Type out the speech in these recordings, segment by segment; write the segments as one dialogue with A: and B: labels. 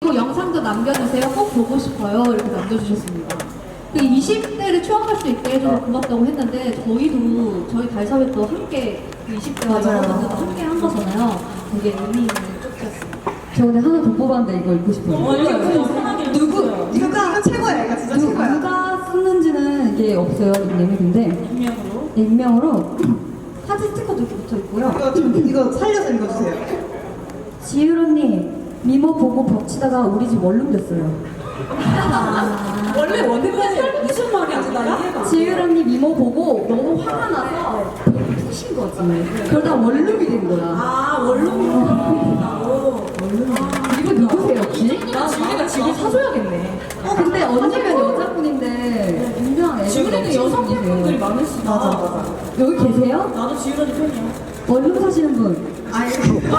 A: 또 영상도 남겨주세요. 꼭 보고 싶어요. 이렇게 남겨주셨습니다. 그 20대를 추억할 수 있게 해줘서 고맙다고 했는데 저희도 저희 달사회도 함께 20대와 여러분들도 함께 한 거잖아요. 되게 의미 있는 쪽이었습니다.
B: 저 근데 하나 더 뽑았는데 이거 읽고 싶어요.
A: 누구?
C: 이거 최고야, 이거 진짜 최고야.
B: 누가 썼는지는 이게 없어요, 닉네임이. 근데 익명으로 사진 스티커도 이렇게 붙어 있고요.
C: 이거 살려서 읽어주세요.
B: 지율 언니 미모 보고 벅치다가 우리 집 원룸 됐어요.
D: 원래 원래는 무슨 말이 안 나?
B: 지율 언니 미모 보고 너무 화가 나서 푸신 거지. 그러다 원룸이 된 거야.
D: 아, 원룸이라고.
B: 이거 누구세요 혹시?
D: 나 지훈이가 지금 사줘야겠네.
B: 근데 언니면 여자분인데 분명 애들
D: 지훈이는 여성분들이 많으시다.
C: 맞아.
B: 여기 계세요?
D: 나도 지훈 언니 팬이야.
B: 원룸 사시는 분.
C: 아니, 그렇게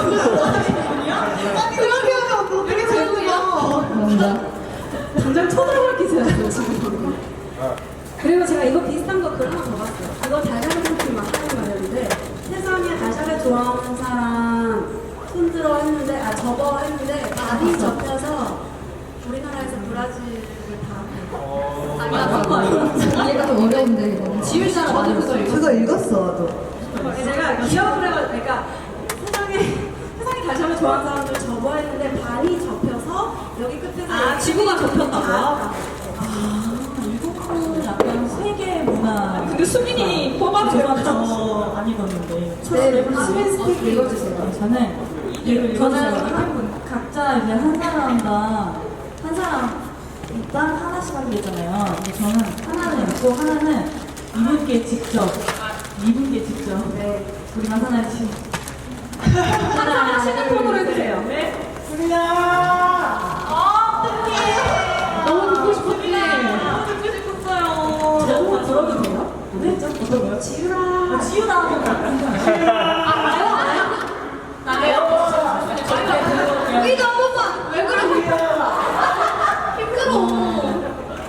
C: 하면 어떻게 되는구나.
B: 감사합니다.
D: 당장 쳐다볼 기세였어요, 지금. 그리고 제가 이거 비슷한 거 글 하나 더 봤어요. 이거 달걀 상품 막 하는 말이었는데 세상에 달걀을 좋아하는 사람 손들어 했는데, 접어 했는데 많이 접혀서 우리나라에서 브라질을 다
B: 이해가 좀 어려운데 이거.
A: 지율씨랑 저도 그거 읽었어요.
C: 그거 읽었어, 나도.
D: 제가 기억을 해가지고, 그러니까 세상에 달걀을 좋아하는 사람들 접어 했는데 반이 접혀서 여기 끝에서
E: 지구가 접혔다고요?
D: 이거는
E: 약간 세계 문화.
D: 근데 수민이 뽑아도
E: 저는 저 안 읽었는데.
D: 네, 수민 스틱 읽어주세요.
E: 저는 각자 이제 한 사람당 한 사람당 하나씩 하기로 했잖아요. 근데 저는 하나는 읽고 하나는 이분께 직접 네. 우리 마사나씨
D: 하나 휴대폰으로 해주세요.
E: 네.
A: 너무 듣고 싶었네.
E: 듣고 싶었어요.
D: 들어도 돼요?
E: 네? 어떤 거요?
D: 지유라.
E: 지우다 한번
A: 우리도 한 번만! 왜 그러세요? 힘들어.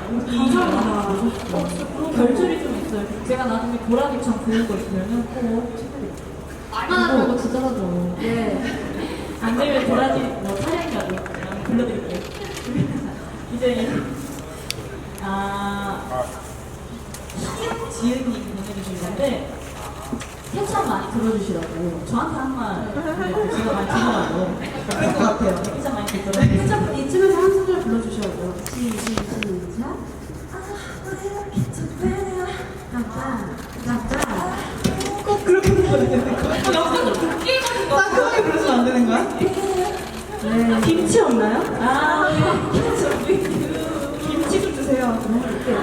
E: 감사합니다. 결줄이 좀 있어요. 제가 나중에 보라기처럼 그릴 거 있으면은 꼭 챙겨드릴게요.
A: 얼마나 그거 진짜 하죠.
E: 네. 안 되면 보라지 뭐 촬영이라도 그냥 불러드릴게요. 이제 지은님이 보내주신 건데 세참 많이 들어주시라고 저한테 한 말 제가 많이 들으라고
C: 그럴 것 같아요.
E: 세참 많이 듣더라고요.
D: 살짝 이쯤에서 한 소절 불러주셔야죠. 시작.
C: 꼭 그렇게 불러야 되는 거야? 따끔하게 부르시면 안 되는 거야?
D: 김치 없나요?
E: 아,
D: 김치 좀 주세요.